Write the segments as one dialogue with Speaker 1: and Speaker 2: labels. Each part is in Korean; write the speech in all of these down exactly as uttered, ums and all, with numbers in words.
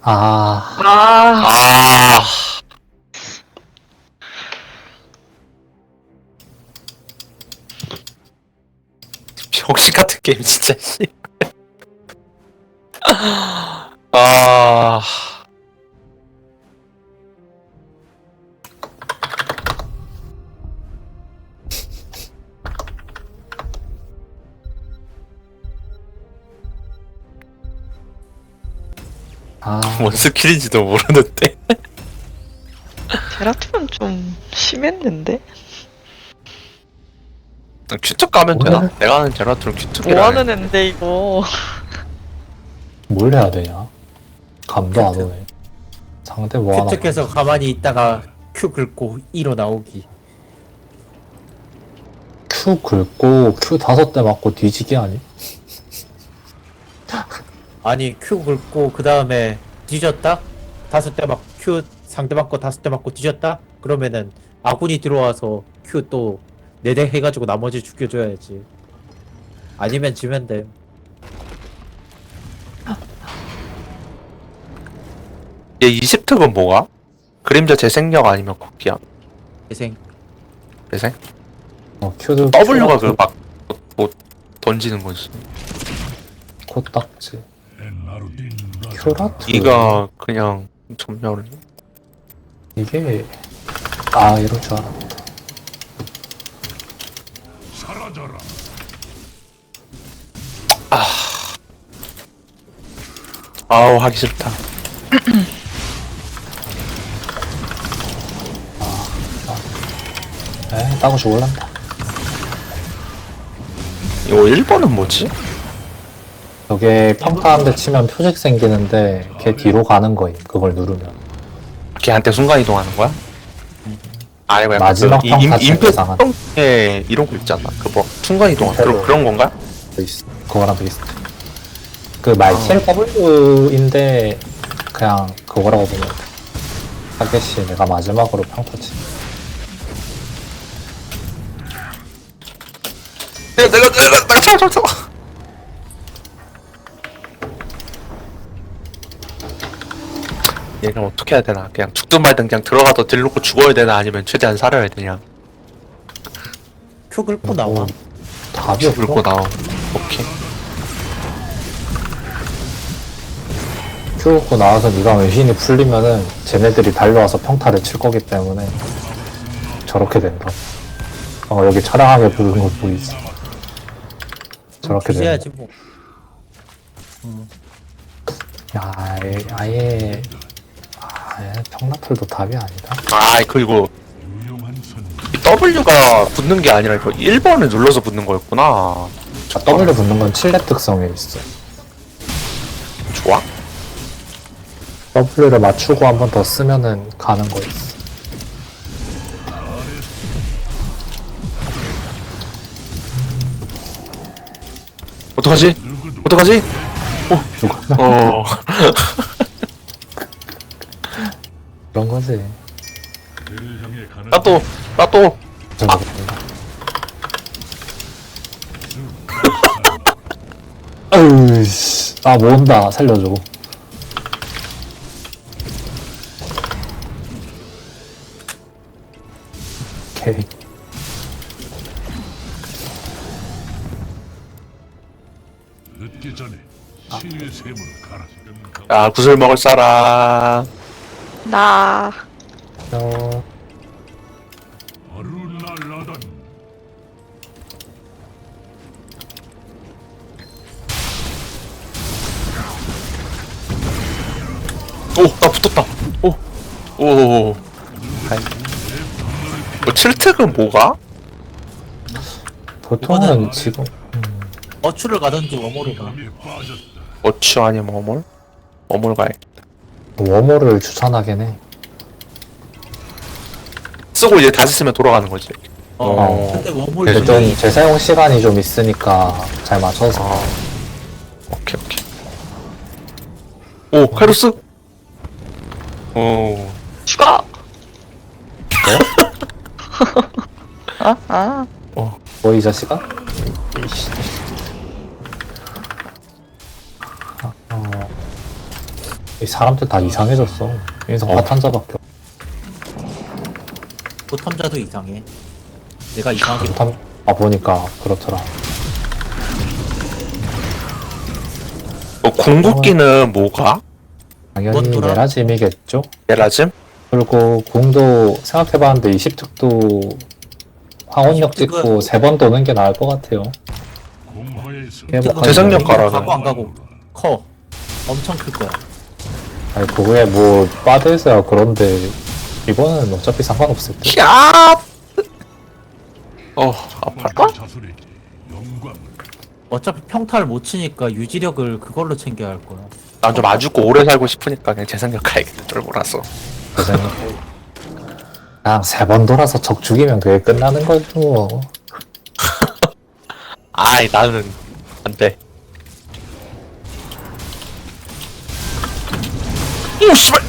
Speaker 1: 아,
Speaker 2: 아,
Speaker 3: 아, 병신 같은 게임 진짜 씨. 아,
Speaker 1: 아,
Speaker 3: 뭔 스킬인지도 모르는데.
Speaker 2: 제라툼은 좀 심했는데?
Speaker 3: 큐특 가면 되나?
Speaker 1: 뭘?
Speaker 3: 내가 아는 제라툴은 큐특이라.
Speaker 2: 뭐하는 앤데 이거.
Speaker 1: 뭘 해야 되냐? 감도 안 오네. 상대 뭐 하나.
Speaker 4: 큐특해서 가만히 있다가 Q 긁고 E로 나오기.
Speaker 1: Q 긁고 Q 다섯 대 맞고 뒤지기 아니?
Speaker 4: 아니 Q 긁고 그 다음에 뒤졌다? 다섯 대 맞고 Q 상대 맞고 다섯 대 맞고 뒤졌다? 그러면은 아군이 들어와서 Q 또 네 대 해가지고 나머지 죽여줘야지. 아니면 지면 돼.
Speaker 3: 얘 이십 특은 뭐가? 그림자 재생력 아니면 걷기야?
Speaker 4: 재생.
Speaker 3: 재생?
Speaker 1: 어, Q도
Speaker 3: W가 그 막 뭐 던지는 거지.
Speaker 1: 코딱지. 큐라트.
Speaker 3: 이가 그냥 점멸을.
Speaker 1: 이게 아 이럴 줄 알았다.
Speaker 3: 아우 하기 싫다.
Speaker 1: 에이 따고 죽을란다.
Speaker 3: 이거 일 번은 뭐지?
Speaker 1: 저게 평타 한 대 치면 표식 생기는데 걔 뒤로 가는 거임. 그걸 누르면.
Speaker 3: 걔한테 순간 이동하는 거야? 아니고 약간
Speaker 1: 마지막
Speaker 3: 그
Speaker 1: 평타
Speaker 3: 임- 임페
Speaker 1: 체크상한.
Speaker 3: 에 이런 거 있잖아. 그 뭐 순간 이동 그런 그런 건가?
Speaker 1: 있어. 그거랑 비슷해. 그 말티엘 W인데 그냥 그거라고 보면 돼. 타겟이 내가 마지막으로 평타 치.
Speaker 3: 내가 내가 내가 내가 쳐, 쳐, 쳐. 얘는 어떻게 해야 되나? 그냥 죽든 말든 그냥 들어가서 딜 놓고 죽어야 되나? 아니면 최대한 살아야 되냐?
Speaker 4: Q 긁고 나와.
Speaker 1: 어, 답이 없어.
Speaker 3: 긁고 나오. 오케이.
Speaker 1: 큐 고 나와서 네가 외신이 풀리면은 쟤네들이 달려와서 평타를 칠 거기 때문에 저렇게 된다. 어 여기 차량하게 부르는 거 보이지? 저렇게 된다.
Speaker 4: 해야지 뭐.
Speaker 1: 야 아예, 아예 아예 평라풀도 답이 아니다.
Speaker 3: 아 그리고 이 W가 붙는 게 아니라 이거 일 번을 눌러서 붙는 거였구나.
Speaker 1: 아, W 붙는 건 칠 렙 특성에 있어.
Speaker 3: 좋아?
Speaker 1: W를 맞추고 한 번 더 쓰면은 가는 거 있어.
Speaker 3: 어떡하지? 어떡하지?
Speaker 1: 누가
Speaker 3: 어.
Speaker 1: 그런 거지.
Speaker 3: 나 또, 나 또.
Speaker 1: 저거 아유 씨. 아 모은다 살려줘. 오케이.
Speaker 5: 늦기 전에 치유의 샘을 갈아.
Speaker 3: 야, 구슬 먹을 사람.
Speaker 2: 나.
Speaker 1: 어,
Speaker 5: 아루날라단
Speaker 3: 오, 나 붙었다. 오, 오. 아이. 뭐, 칠특은 뭐가?
Speaker 1: 보통은
Speaker 4: 이거는
Speaker 1: 지금
Speaker 4: 어추를 가든지 워머를 가.
Speaker 5: 감에 빠졌다.
Speaker 3: 어치 아니면 어몰? 어몰 가야
Speaker 1: 워머를 추천하긴 해.
Speaker 3: 쓰고 이제 다시 쓰면 돌아가는 거지.
Speaker 4: 어.
Speaker 3: 어.
Speaker 4: 근데 워머를
Speaker 1: 근데 좀 재사용 시간이 좀 있으니까 잘 맞춰서.
Speaker 3: 아. 오케이, 오케이. 오, 카이로스? 오.
Speaker 2: 추가! 아, 아.
Speaker 3: 어.
Speaker 1: 뭐 이 자식아? 이씨. 아, 어. 이 사람들 다 이상해졌어. 인성
Speaker 3: 어.
Speaker 1: 파탄자밖에 없.
Speaker 4: 보탐자도 이상해. 내가 이상하게
Speaker 1: 파탄 아 보니까 그렇더라.
Speaker 3: 어, 궁극기는 뭐가?
Speaker 1: 당연히
Speaker 4: 뭔더라?
Speaker 1: 메라짐이겠죠.
Speaker 3: 메라즘?
Speaker 1: 그리고 궁도 생각해봤는데 이십 특도 황혼역
Speaker 4: 이십 특은
Speaker 1: 찍고 세 번 도는 게 나을 것 같아요.
Speaker 5: 공허에서
Speaker 1: 회복하는
Speaker 3: 재생력
Speaker 1: 거.
Speaker 3: 가라.
Speaker 4: 가고 안 가고 커. 엄청 클 거야.
Speaker 1: 아니 그거에 뭐 빠져있어야 그런데 이거는 어차피 상관없을 듯.
Speaker 3: 야! 어, 아파라.
Speaker 5: 자수리지 영광
Speaker 4: 어차피 평타를 못 치니까 유지력을 그걸로 챙겨야 할 거야.
Speaker 3: 난 좀 아주고 오래 살고 싶으니까 그냥 재생력 가야겠다. 쫄보라서.
Speaker 1: 그냥 그냥 세 번 돌아서 적 죽이면 그게 끝나는 거죠.
Speaker 3: 아이, 나는 안 돼. 오, 씨발!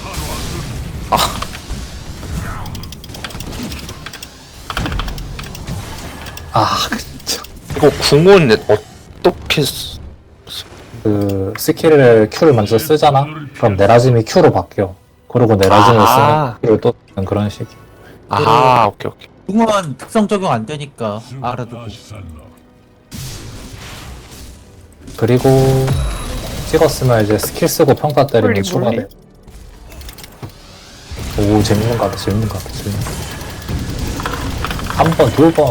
Speaker 1: 아 진짜.
Speaker 3: 이거 궁은 어떻게 쓰...
Speaker 1: 그 스킬을 Q를 먼저 쓰잖아. 그럼 네라짐이 Q로 바뀌어. 그리고 네라짐을
Speaker 3: 아.
Speaker 1: 쓰면 Q를 또 쓰는 그런 식이.
Speaker 3: 아, 오케이, 오케이.
Speaker 4: 궁은 특성 적용 안 되니까 알아두고.
Speaker 5: 아시살라
Speaker 1: 그리고 찍었으면 이제 스킬 쓰고 평타 때리면
Speaker 2: 몰리,
Speaker 1: 추가돼.
Speaker 2: 몰리.
Speaker 1: 오 재밌는 거 같아. 재밌는 거 같아. 재밌는 거. 한 번, 두 번.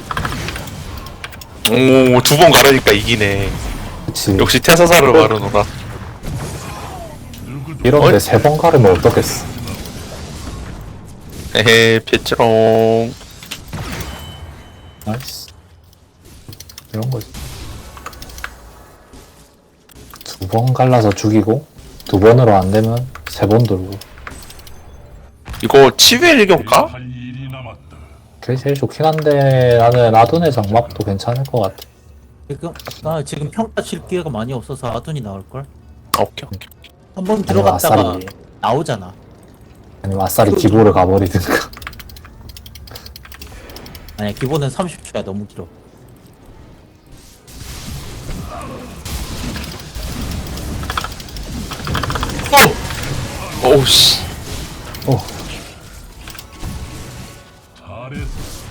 Speaker 3: 오, 두 번 가르니까 이기네.
Speaker 1: 그치.
Speaker 3: 역시 태사사를 바르노라.
Speaker 1: 이런데 세 번 가르면 어떻겠어.
Speaker 3: 에헤, 피치롱.
Speaker 1: 나이스. 이런 거지. 두 번 갈라서 죽이고, 두 번으로 안 되면 세 번 돌고.
Speaker 3: 이거 치유의 일격가?
Speaker 5: 할 일이 남았다.
Speaker 1: 그게 제일 좋긴 한데, 나는 아둔의 장막도 괜찮을 것 같아.
Speaker 4: 지금 나 지금 평타 칠 기회가 많이 없어서 아둔이 나올 걸.
Speaker 3: 오케이, 오케이.
Speaker 4: 한 번
Speaker 1: 아니면
Speaker 4: 들어갔다가
Speaker 1: 아싸리,
Speaker 4: 나오잖아.
Speaker 1: 아니면 아싸리 기보를 가버리든가.
Speaker 4: 아니야 기본은 삼십 초야 너무 길어.
Speaker 3: 오! 오우, 씨.
Speaker 1: 어,
Speaker 5: 잘했어.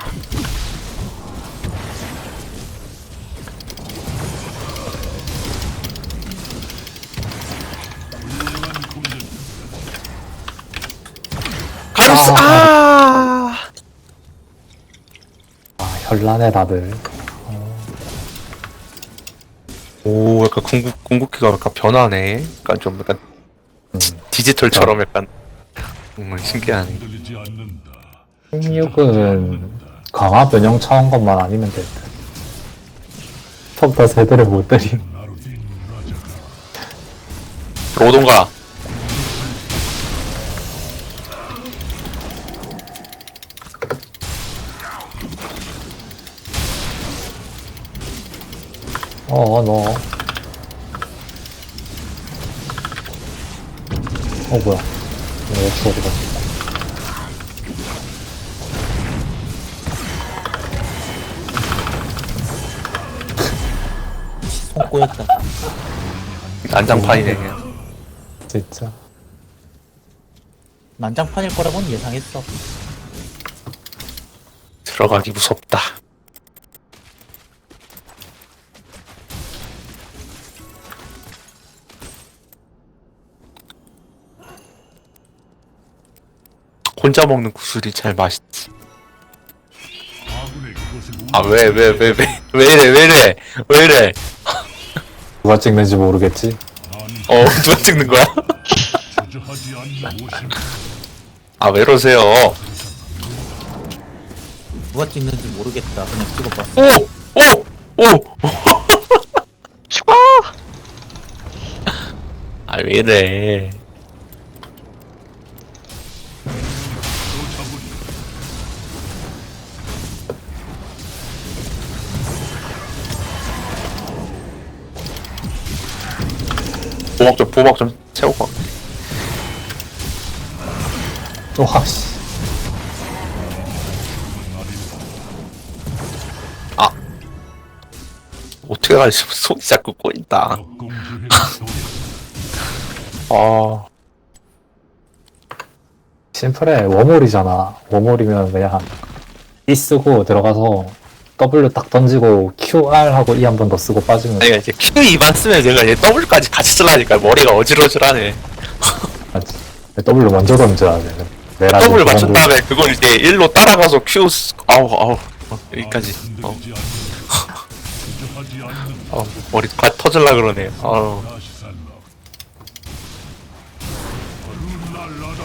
Speaker 5: 훌륭한 공격.
Speaker 3: 가르스, 아!
Speaker 1: 아, 현란해, 다들.
Speaker 3: 오, 약간 궁극, 궁극기가 약간 변하네. 약간 좀 약간
Speaker 1: 음.
Speaker 3: 디지털처럼 약간. 음, 신기하네.
Speaker 5: 흔들리지 않는다.
Speaker 1: 십육은 강화 변형 차원 것만 아니면 돼. 평타 세대를 못 때리.
Speaker 5: 나루딘 라자가
Speaker 3: 들어오던가.
Speaker 1: 어, 너. 어, 뭐야. 왜 역시 어디 갔어?
Speaker 4: 손 꼬였다.
Speaker 3: 난장판이네, 그냥.
Speaker 1: 진짜.
Speaker 4: 난장판일 거라고는 예상했어.
Speaker 3: 들어가기 무섭다. 혼자 먹는 구슬이 제일 맛있지.
Speaker 5: 아군의 그것을
Speaker 3: 아, 왜, 왜, 왜, 왜, 왜 이래, 왜 이래, 왜 이래.
Speaker 1: 누가 찍는지 모르겠지?
Speaker 3: 어, 누가 찍는 거야?
Speaker 5: 주저하지 않는 모심.
Speaker 3: 아, 왜 이러세요?
Speaker 4: 누가 찍는지 모르겠다. 그냥 찍어봤어.
Speaker 3: 오! 오! 오!
Speaker 2: 슈아!
Speaker 3: 아, 왜 이래. 보막 좀, 보막 좀 채우고.
Speaker 1: 와, 씨.
Speaker 3: 아. 어떻게 가지? 손이 자꾸 꼬인다.
Speaker 5: 역공주의 소리.
Speaker 3: 아,
Speaker 1: 심플해. 워몰이잖아. 워몰이면 그냥 E 쓰고 들어가서 W 딱 던지고 Q R 하고 E 한 번 더 쓰고 빠지면
Speaker 3: 아니 이제 Q 이만 쓰면 제가 이제 W까지 같이 쓰려니까 머리가 어질어질하네.
Speaker 1: 맞지. W 먼저 던져야 돼. 내가
Speaker 3: W
Speaker 1: 지금
Speaker 3: 맞춘
Speaker 1: 그런
Speaker 3: 다음에 그걸 이제 일로 따라가서 Q 쓰... 아우 아우 어, 여기까지. 어,
Speaker 5: 흔들리지 않는 주저하지 않는
Speaker 3: 어 머리 가 터질라 그러네. 아우.
Speaker 5: 다시 살라. 룰랄라다.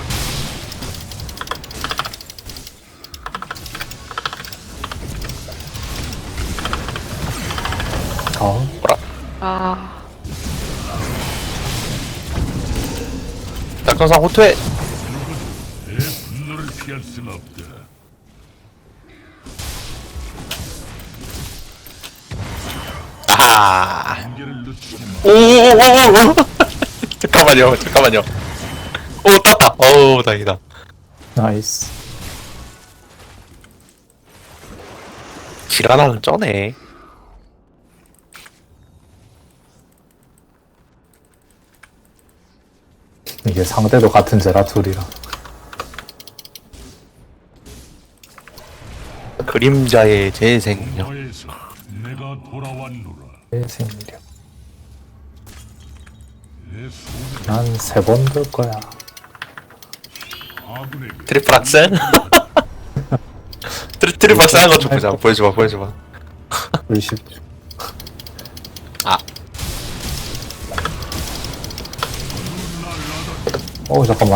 Speaker 1: 거. 어?
Speaker 2: 아,
Speaker 3: 낙천상 호투해.
Speaker 5: 내 분노를 피할 순 없다.
Speaker 3: 아하.
Speaker 5: 한계를 늦추지 마.
Speaker 3: 오오오오. 잠깐만요. 잠깐만요. 오 땄다. 어우 다행이다.
Speaker 1: 나이스.
Speaker 3: 지라나는 쩌네.
Speaker 1: 이게 상대도 같은 제라툴이라.
Speaker 3: 그림자의 재생력.
Speaker 5: 너에서 내가 돌아왔노라.
Speaker 1: 내 생력.
Speaker 5: 내 소명은
Speaker 1: 난 세 번 돌 거야.
Speaker 5: 아군에게
Speaker 3: 트리플 악셀? 트리, 트리플 악셀 한거 좀 보자. 보여줘봐, 보여줘봐.
Speaker 1: 의식.
Speaker 3: 아,
Speaker 1: 어 잠깐만.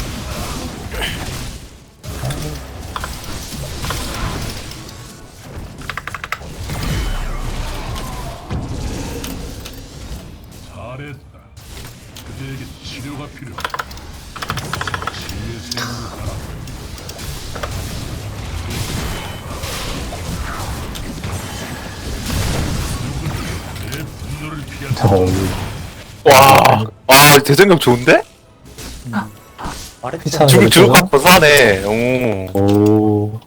Speaker 5: 잘했다. 그대에게 치료가 필요하다. 치유의 샘으로 가라. 내 분노를 피할 수
Speaker 1: 어,
Speaker 3: 와, 와, 재생력 좋은데?
Speaker 4: 말했잖아.
Speaker 1: 피차는
Speaker 3: 죽을 죽을 것
Speaker 1: 거죠?
Speaker 3: 같고 사네. 오.
Speaker 1: 오.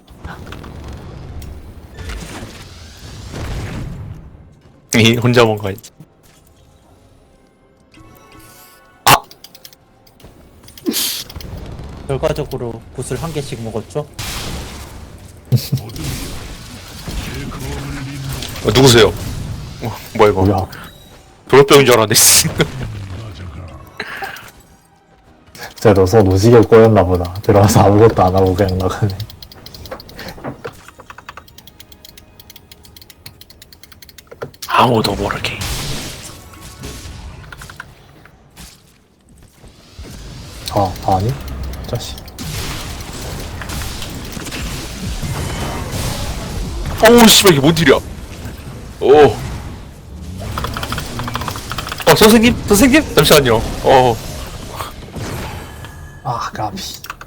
Speaker 3: 이 혼자 뭔가 있지.
Speaker 4: 결과적으로 굿을 한 개씩 먹었죠.
Speaker 5: 어둠이여. 내 검을 잇는
Speaker 3: 어, 누구세요? 어, 뭐야 이거?
Speaker 1: 뭐야.
Speaker 3: 돌병인 줄 알았네. 씨.
Speaker 5: 라자가
Speaker 1: 진짜 너손 오지게 꼬였나 보다. 들어가서 아무것도 안 하고 그냥 나가네.
Speaker 3: 아무도 모르게.
Speaker 1: 아, 아니? 자식.
Speaker 3: 어우 씨발 이게 뭔 일이야? 오. 어 선생님, 선생님 잠시만요. 어.
Speaker 1: 아, 까비.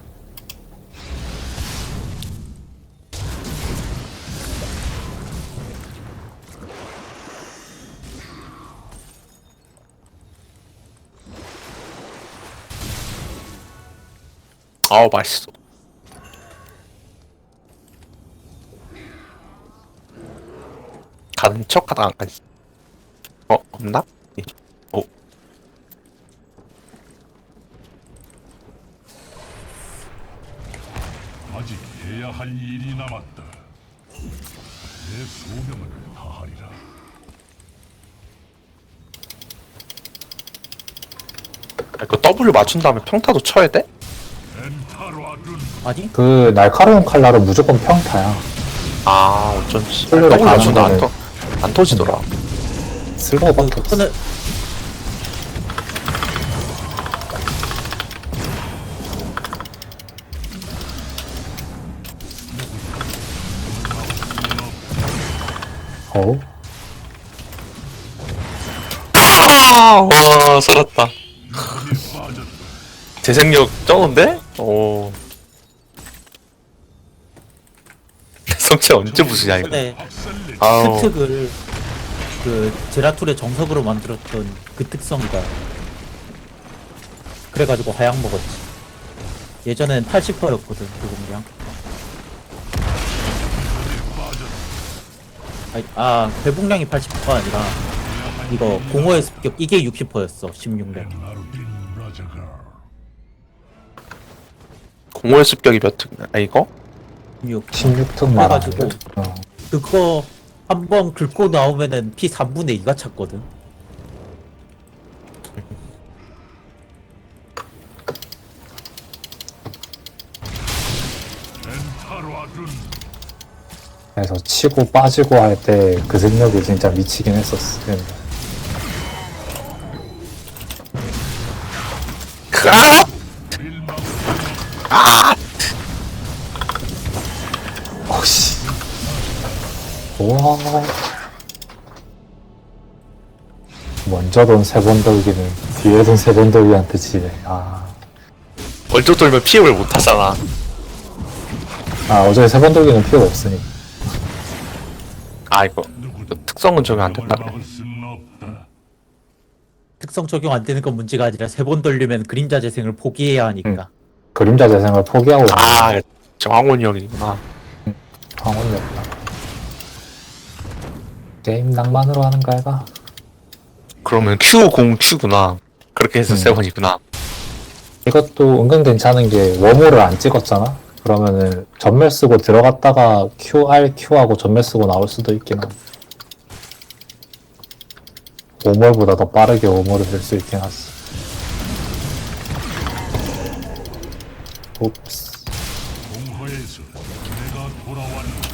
Speaker 3: 아우 맛있어. 가는 척하다 안 가지. 어 없나? 예. 오.
Speaker 5: 아직 해야 할 일이 남았다. 내 소명을 다하리라.
Speaker 3: 아, 이거 W 맞춘 다음에 평타도 쳐야 돼?
Speaker 5: 엔타라든
Speaker 4: 아니?
Speaker 1: 그 날카로운 칼날은 무조건 평타야.
Speaker 3: 아 어쩐지.
Speaker 1: W
Speaker 3: W 맞춘 다안
Speaker 1: 가는
Speaker 3: 터, 안 터지더라.
Speaker 1: 쓸모밖에 없어.
Speaker 4: 저는
Speaker 1: 어우.
Speaker 3: 아, 와 살았다.
Speaker 5: 빠졌다.
Speaker 3: 재생력 쩌는데? 오. 성체 언제 부수냐 이거.
Speaker 4: 전에
Speaker 5: 박살내.
Speaker 3: 아우.
Speaker 4: 그 특을 그 제라툴의 정석으로 만들었던 그 특성이다. 그래가지고 하향 먹었지. 예전엔 팔십 퍼센트였거든 그 공량. 아니, 아 회복량이 팔십 퍼센트가 아니라 이거 공허의 습격 이게 육십 퍼센트였어 십육 렙.
Speaker 5: 나루딘 라자가 가져가.
Speaker 3: 공허의 습격이 몇 특? 아 이거?
Speaker 4: 육.
Speaker 1: 십육 특 말하는
Speaker 4: 그래가지고
Speaker 1: 거. 어.
Speaker 4: 그거 한 번 긁고 나오면은 피 삼분의 이가 찼거든.
Speaker 5: 멘탈화둔.
Speaker 1: 그래서 치고 빠지고 할 때 그 생력이 진짜 미치긴 했었어. 근데
Speaker 3: 아!
Speaker 5: 일망.
Speaker 1: 어씨. 우와. 먼저 돈 세 번 돌기는 뒤에 돈 세 번 돌기한테 지네. 아.
Speaker 3: 먼저 돌면 피해를 못 하잖아.
Speaker 1: 아, 어제 세 번 돌기는 필요가 없으니.
Speaker 3: 아 이거
Speaker 5: 누구도
Speaker 3: 특성은 적용 안 된다
Speaker 5: 영을
Speaker 3: 그래.
Speaker 5: 막을 수는 없다.
Speaker 4: 특성 적용 안 되는 건 문제가 아니라 세 번 돌리면 그림자 재생을 포기해야 하니까.
Speaker 1: 그림자 재생을 포기하고
Speaker 3: 아 정황훈이 형이구나.
Speaker 1: 황혼이 없다. 게임 낭만으로 하는 거 아이가?
Speaker 3: 그러면 Q 공 Q구나. 그렇게 해서
Speaker 1: 음.
Speaker 3: 세 번이구나.
Speaker 1: 이것도 은근 괜찮은 게 워모를 안 찍었잖아? 그러면은 전멸 쓰고 들어갔다가 Q, R, Q하고 전멸 쓰고 나올 수도 있긴 함. 오멀보다 더 빠르게 오멀을 할 수 있긴 하지. 옵스.
Speaker 5: 공허에서 내가 돌아왔노라.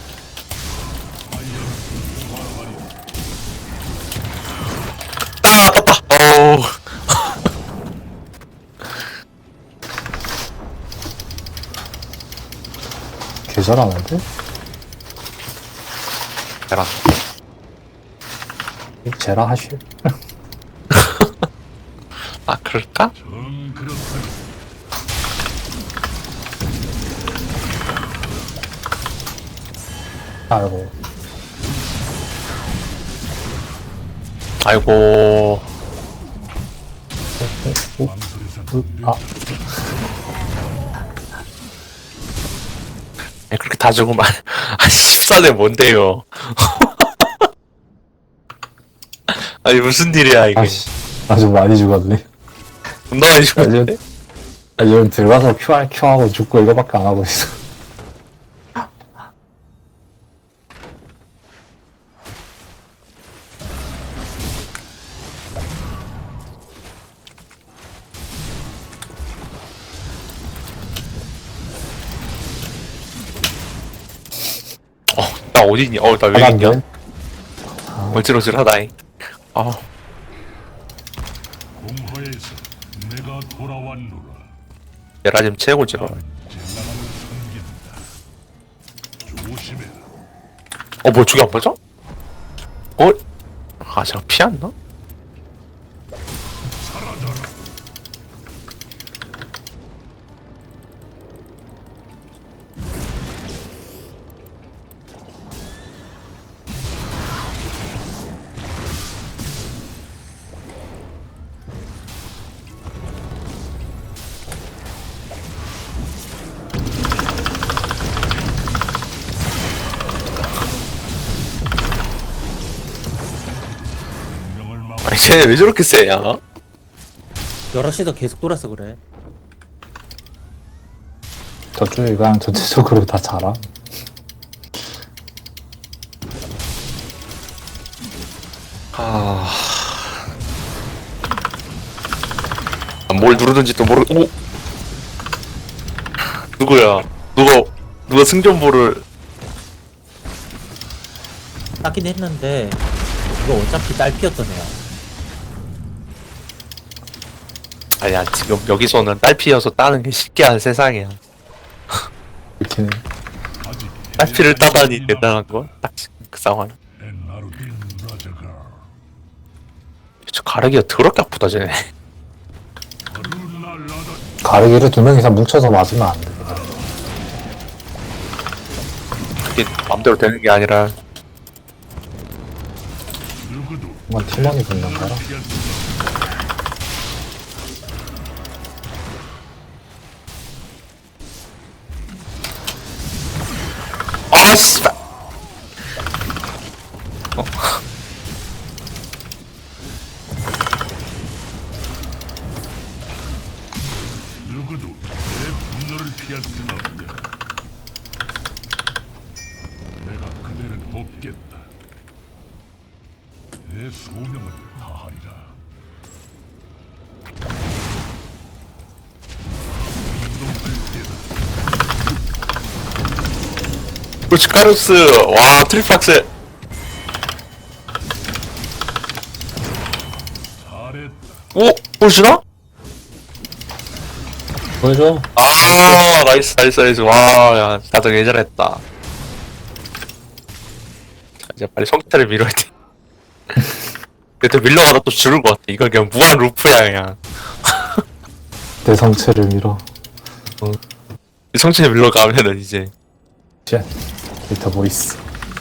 Speaker 3: 아 아팠다. 어우.
Speaker 1: 개 잘하는데?
Speaker 3: 대란.
Speaker 1: 이 제라 하실?
Speaker 3: 아 그럴까?
Speaker 5: 정 그렇다.
Speaker 1: 아이고.
Speaker 3: 아이고.
Speaker 5: 망설여서
Speaker 1: 으, 아,
Speaker 3: 아니, 그렇게 다 죽으면 아 십사대 뭔데요? 아니 무슨 일이야 이게?
Speaker 1: 아씨. 아주 많이 죽었네.
Speaker 3: 존나 많이 죽었는데?
Speaker 1: 아, 지금 들어가서 큐 R, Q 하고 죽고 이거밖에 안 하고 있어.
Speaker 3: 나 어디니? 어나 왜 있냐?
Speaker 1: 하나인데?
Speaker 3: 어질어질하다잉. 아
Speaker 5: 공허에서 내가 돌아왔노라.
Speaker 3: 내가 지금 최고지라.
Speaker 5: 젤라만을 섬긴다. 조심해라.
Speaker 3: 어, 뭐, 저기 안 맞아? 어? 아, 제가 피했나?
Speaker 5: 운명을 막
Speaker 3: 아니, 쟤네 왜 저렇게 세냐?
Speaker 4: 여러 시도 계속 돌아서 그래.
Speaker 1: 저쪽이 그냥 전체적으로 다 잘함.
Speaker 3: 아. 아, 뭘 누르든지 또 모르, 오! 누구야? 누가, 누가 승전보를,
Speaker 4: 따긴 했는데 이거 어차피 딸피였던 애야.
Speaker 3: 아니야, 지금 여기서는 딸피여서 따는 게 쉽게 한 세상이야.
Speaker 1: 이렇게
Speaker 5: 아직
Speaker 3: 딸피를 따다니 대단한 거? 딱 지금 그 상황.
Speaker 5: 엔나르딘 라자가
Speaker 3: 저 가르기가 더럽게 아프다, 쟤네.
Speaker 5: 아루나 라다
Speaker 1: 가르기를 두 명 이상 뭉쳐서 맞으면 안 돼.
Speaker 3: 그게 맘대로 되는 게 아니라,
Speaker 5: 누구도
Speaker 1: 한번 팀원이 붙는 거라.
Speaker 5: 피할 수
Speaker 3: 아, 씨발! 어?
Speaker 5: 누구도 내 분노를 피할 수는 없다. 내가 그대를 돕겠다. 내 소명을 다하리라.
Speaker 3: 그렇지 카루스. 와 트리플 악셀.
Speaker 5: 잘했다.
Speaker 3: 오 보여주나?
Speaker 1: 보여줘.
Speaker 3: 아 나이스 나이스 나이스. 와야 다들 예전했다. 자, 이제 빨리 성기타를 밀어야 돼. 근데 또 밀러가다 또 죽을 것 같아. 이거 그냥 무한 루프야 그냥.
Speaker 1: 내 성체를 밀어.
Speaker 3: 성진이 밀러 가면은 이제
Speaker 1: 쉣. 데이터 보이스.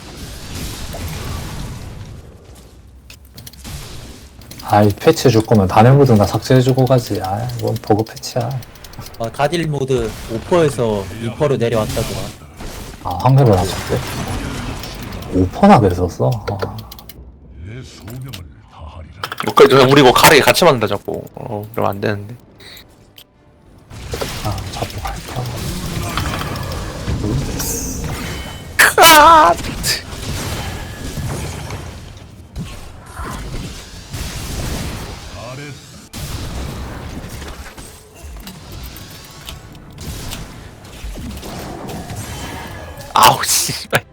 Speaker 1: 아이 패치 줄 거면 단일 모드나 삭제해주고 가지. 아 이건 버그 패치야.
Speaker 4: 어, 다딜 모드 오 퍼에서 이 퍼로 내려왔다더라.
Speaker 1: 아 확률을 낮췄대. 오 퍼나 그랬었어. 아,
Speaker 5: 내 소명을 다하리라.
Speaker 3: 뭐, 그, 우리 이거 가르게 같이 만든다 자꾸. 어 그러면 안 되는데.
Speaker 1: 아 자꾸 갈까.
Speaker 3: 아!
Speaker 5: 잘했다.
Speaker 3: 아우 씨발.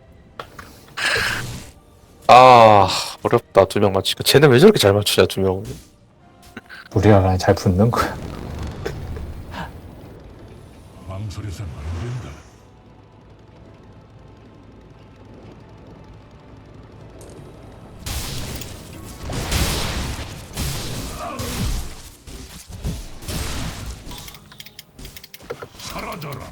Speaker 3: 아 어렵다 두 명 맞추니까. 쟤는 왜 저렇게 잘 맞추냐 두 명.
Speaker 1: 우리가 그냥 잘 붙는 거야.
Speaker 5: 망설여서는 안 된다. 사라져라.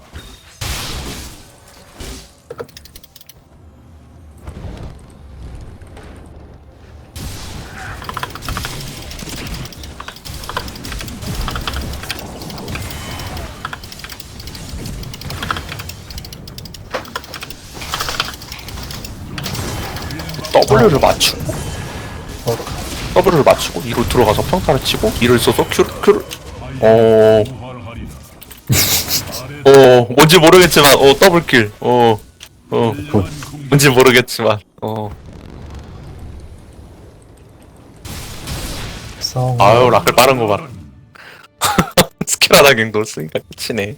Speaker 3: W를 맞추고 W를 맞추고 이로 들어가서 평타를 치고 이를 써서 Q를 Q를 어...
Speaker 5: 부활하리라.
Speaker 3: 어... 뭔지 모르겠지만 어 더블킬 어... 어... 뭔지 모르겠지만 어...
Speaker 1: 성.
Speaker 3: 아유 라클 빠른 거 봐라. 스킬 하나 갱도 쓰니까 끝이네.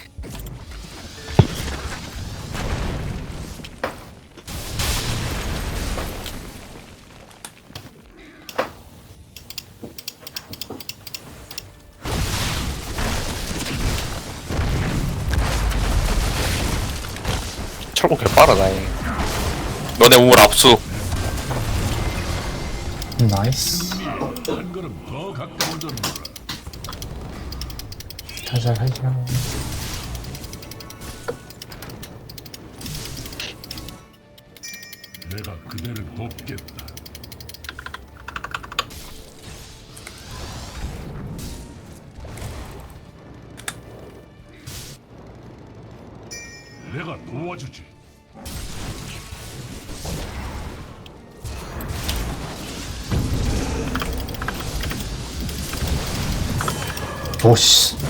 Speaker 3: 철거 개빠르다 잉. 너네 우물 압수.
Speaker 1: 나이스.
Speaker 5: 한 걸음 더 가까워졌노라.
Speaker 1: 가자 가자.
Speaker 5: 내가 그대를 돕겠다. 내가 도와주지.
Speaker 1: 오씨.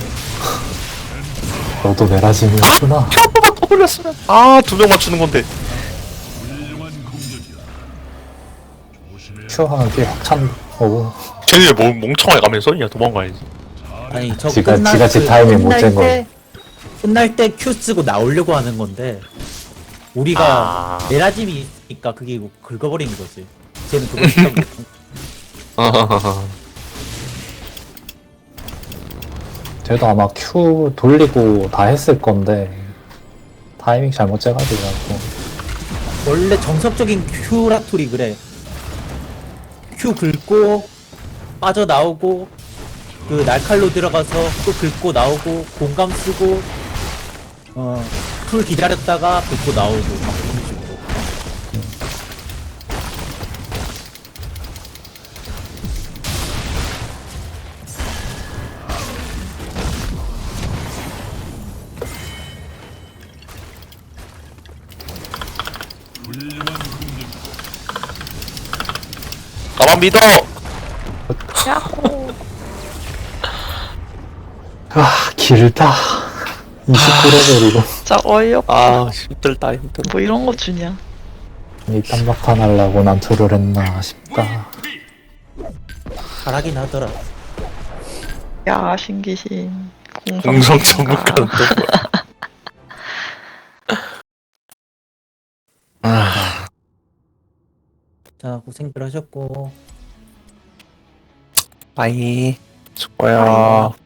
Speaker 1: 너도 메라짐이었구나.
Speaker 3: 큐 한 번만 더 돌렸으면 아두 명 맞추는 건데.
Speaker 5: 훌륭한 공격이야. 조심해야
Speaker 1: 큐 하나 뒤에 확 찬 거고.
Speaker 3: 쟤네 뭐 멍청하게 가면서 야 도망가야지.
Speaker 4: 아니 저
Speaker 1: 지가-
Speaker 4: 끝날
Speaker 1: 지가 지
Speaker 4: 그
Speaker 1: 타이밍 못
Speaker 4: 끝날
Speaker 1: 잰
Speaker 4: 때- 끝날 때 Q 쓰고 나오려고 하는 건데 우리가
Speaker 3: 아.
Speaker 4: 에라짐이 있으니까 그게 긁어버린 거지. 쟤는 그걸 못하고
Speaker 1: 쟤도 아마 큐 돌리고 다 했을 건데 타이밍 잘못 재가지고.
Speaker 4: 원래 정석적인 큐라툴이 그래. Q 긁고 빠져나오고 그 날칼로 들어가서 또 긁고 나오고 공감 쓰고 어풀 기다렸다가 긁고 나오고 막 그런 식으로.
Speaker 5: 훌륭한 공격.
Speaker 3: 나만 믿어.
Speaker 1: 아 길다. 이십구 레벨이고.
Speaker 2: 진짜 어이없다.
Speaker 3: 아 힘들다 힘들어.
Speaker 2: 뭐 이런 거 주냐.
Speaker 1: 이 딴막판 하려고 난 둘을 했나 싶다.
Speaker 4: 잘하긴 하더라.
Speaker 2: 야, 신기신.
Speaker 3: 공성 전문가는 또 뭐야? 아,
Speaker 4: 자, 고생들 하셨고.
Speaker 3: 빠이. 수고야.